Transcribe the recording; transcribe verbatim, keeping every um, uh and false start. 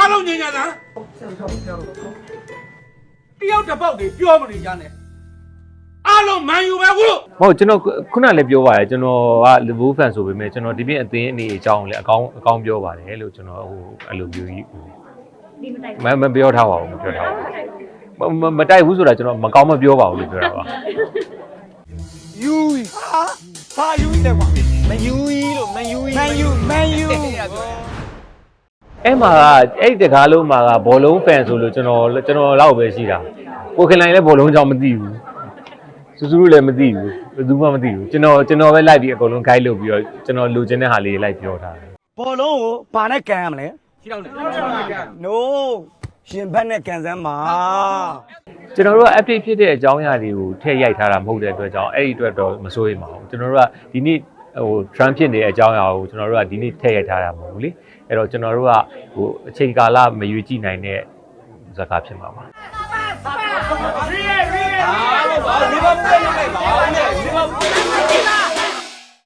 အားလုံးညင်ညာတာတယောက်တစ်ပေါက်တွေပြောမနေကြနဲ့အားလုံးမန်ယူပဲကိုဟုတ်ကျွန်တော်ခုနလည်းပြောပါတယ်ကျွန်တော်က Liverpool fan ဆိုပေမဲ့ကျွန်တော်ဒီပြင်အသင်းအနေအကြောင်းလည်းအကောင်းအကောင်းပြောပါတယ်လို့ကျွန်တော်ဟိုအဲ့လိုမျိုးကြီးမမပြောထားပါဘူးမပြောထားဘူးမတိုက်ဘူးဆိုတာကျွန်တော်မကောင်းမပြောပါဘူးလို့ပြောတာပါယူဟာဟာယူတယ်ကွာမယူလို့မယူမယူမယူအဲ့မှာကအဲ့တကားလုံးမှာကဘောလုံး fan ဆိုလို့ကျွန်တော်ကျွန်တော်လောက်ပဲရှိတာကိုခင်လိုင်းလည်းဘောလုံးကြောင့်မသိဘူးစူးစူးလည်းမသိဘူးဘယ်သူမှမသိဘူးကျွန်တော်ကျွန်တော်ပဲလိုက်ပြီးအကုန်လုံး guide လုပ်ပြီးတော့ကျွန်တော်လိုချင်တဲ့ဟာလေးလိုက်ပြောထားတယ်ဘောလုံးကိုဘာနဲ့ကန်ရမလဲခြေထောက်နဲ့ no ရှင်ဘက်နဲ့ကန်စမ်းပါကျွန်တော်တို့က update ဖြစ်တဲ့အကြောင်းအရာတွေကိုထည့်ရိုက်ထားတာမဟုတ်တဲ့အတွက်ကြောင့်အဲ့ဒီအတွက်တော့မစိုးရိမ်ပါဘူးကျွန်တော်တို့ကဒီနေ့ဟို trend ဖြစ်နေတဲ့အကြောင်းအရာကိုကျွန်တော်တို့ကဒီနေ့ထည့်ရိုက်ထားတာမဟုတ်ဘူးလေအဲ့တော့ကျွန်တော်တို့ကဟိုအချိန်ကာလမရွေးကြည့်နိုင်တဲ့ဇာတ်ကားဖြစ်မှာပါရီရီရီ